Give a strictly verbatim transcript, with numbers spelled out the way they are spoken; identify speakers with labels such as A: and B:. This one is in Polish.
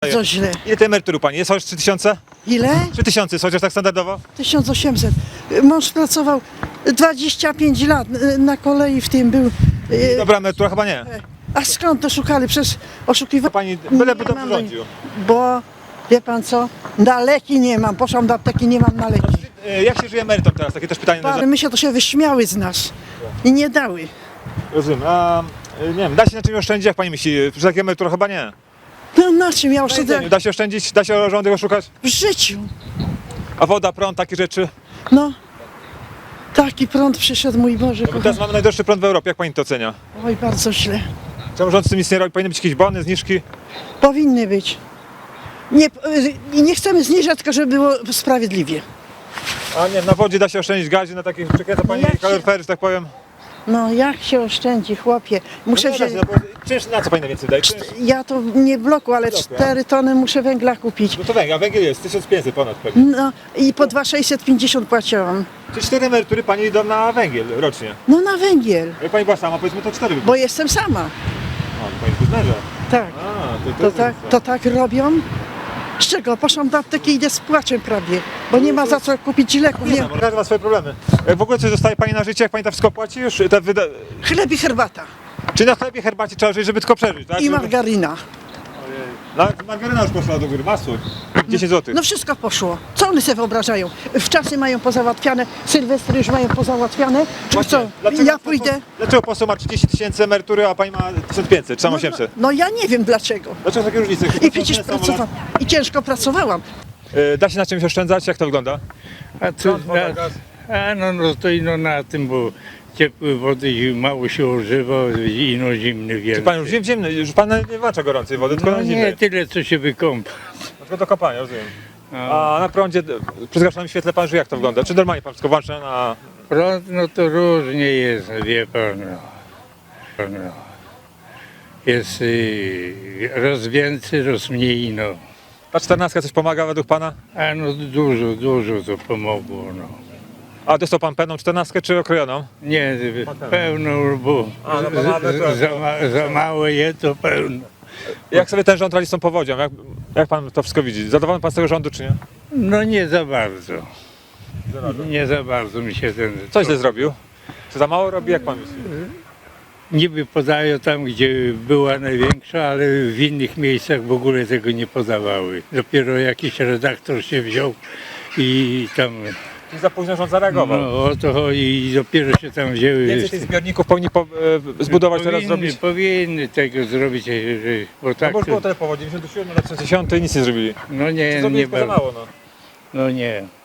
A: Bardzo źle.
B: Ile tej emerytury pani? Jest chociaż trzy tysiące?
A: Ile?
B: trzy tysiące jest chociaż tak standardowo?
A: tysiąc osiemset. Mąż pracował dwadzieścia pięć lat y, na kolei w tym był. y,
B: Dobra emerytura chyba nie.
A: A skąd to szukali? Przez oszukiwanie.
B: Pani byleby
A: Nie
B: dobrze
A: mam-
B: rządził.
A: Bo wie pan co? Na leki nie mam. Poszłam do apteki, nie mam na leki.
B: E, Jak się żyje emerytom teraz? Takie też pytanie.
A: Ale my się to się wyśmiały z nas i nie dały.
B: Rozumiem. A e, nie wiem, da się na czymś oszczędzić, jak pani myśli? Przy takiej emeryturze chyba nie.
A: No na czym ja
B: Na
A: oszczędzę?
B: jedzeniu Da się oszczędzić? Da się rządy oszukać?
A: W życiu.
B: A woda, prąd, takie rzeczy?
A: No. Taki prąd przyszedł, mój Boże.
B: No,
A: Kochany.
B: teraz mamy najdroższy prąd w Europie. Jak pani to ocenia?
A: Oj, bardzo źle.
B: Czemu rząd z tym nic nie robi? Powinny być jakieś bony, zniżki?
A: Powinny być. Nie, y, nie chcemy zniżać, tylko żeby było sprawiedliwie.
B: A nie wiem, na wodzie da się oszczędzić, gazie, na takich przekręca pani
A: jak się-
B: kaloryfery, że tak powiem.
A: No jak się oszczędzi, chłopie. Muszę
B: no, nie da
A: wziąć,
B: się, no, bo czynsz na co pani najwięcej daje? Czynsz?
A: ja to nie w bloku, ale
B: bloku,
A: cztery tony muszę węgla kupić.
B: No to węgiel, a węgiel jest tysiąc pięćset ponad pewnie.
A: No i po dwa tysiące sześćset pięćdziesiąt płaciłam.
B: Czy cztery emerytury pani idą na węgiel rocznie?
A: No na węgiel,
B: Jak pani była sama, powiedzmy to cztery by
A: bo jestem sama.
B: A, to pani jest męża.
A: Tak.
B: A, to, to,
A: To
B: jest
A: tak,
B: różnica.
A: to tak robią? Z czego? Poszłam do apteki i idę z płaczem prawie, bo nie ma za co kupić leków.
B: Nie,
A: Nie.
B: no, każdy ma swoje problemy. E, W ogóle coś zostaje pani na życie, jak pani to wszystko płaci już? Te wyda...
A: Chleb i herbata
B: Czy na chlebie, herbacie trzeba żyć, żeby tylko przeżyć, tak?
A: i
B: Żeby-
A: margarina.
B: Nawet margaryna już poszła do góry, masło. dziesięć złotych.
A: No wszystko poszło. Co oni sobie wyobrażają? Wczasy mają pozałatwiane, sylwestry już mają pozałatwiane. Czy
B: Właśnie,
A: co?
B: dlaczego
A: Ja
B: poseł-
A: pójdę.
B: Dlaczego poseł ma trzydzieści tysięcy emerytury, a pani ma tysiąc pięćset, czy tam
A: No,
B: osiemset?
A: no ja nie wiem dlaczego.
B: Dlaczego takie różnice?
A: I przecież pracowałam. I ciężko pracowałam.
B: E, Da się na czymś oszczędzać? Jak to wygląda?
C: A co,
B: Prąd, woda,
C: na,
B: gaz.
C: a no, no to ino na tym, bo ciepłej wody mało się używa, ino zimny
B: Czy
C: wiele.
B: pan już zim, zimny, już pan nie włącza gorącej wody, tylko
C: No
B: na
C: nie
B: zimnej.
C: tyle, co się wykąpa.
B: Tylko do kopania, rozumiem.
C: A
B: A na prądzie, przy zgaszonym świetle pan żyje, jak to wygląda? Czy normalnie pan wszystko włącza na...
C: prąd, no to różnie jest, wie pan. No. No. Jest y, raz więcej, raz mniej, no.
B: Ta czternastka coś pomaga według pana?
C: A no dużo, dużo to pomogło, no.
B: A dostał pan pełną czternastkę czy okrojoną?
C: Nie, pełno, bo
B: A, no bo mamy to-
C: za, ma, za mało je, to pełno.
B: Jak sobie ten rząd radzi z tą powodzią? Jak, jak pan to wszystko widzi? Zadowolony pan z tego rządu czy nie?
C: No nie za bardzo. Nie za bardzo mi się ten...
B: Coś źle zrobił? Czy za mało robi? Jak pan myśli?
C: Niby podają tam, gdzie była największa, ale w innych miejscach w ogóle tego nie podawały. Dopiero jakiś redaktor się wziął i tam,
B: Czyli za późno rząd zareagował.
C: no o to chodzi, i dopiero się tam wzięły.
B: Więcej tych zbiorników powinni po, e, zbudować teraz,
C: powinny,
B: zrobić.
C: powinny tego zrobić, że, bo
B: No
C: tak
B: bo już było
C: to,
B: tyle powodzi, dziewięćdziesiąt siedem, lat sześćdziesiąt i nic nie zrobili.
C: no nie,
B: Zrobili
C: nie
B: tylko za
C: bardzo.
B: mało, no.
C: No nie.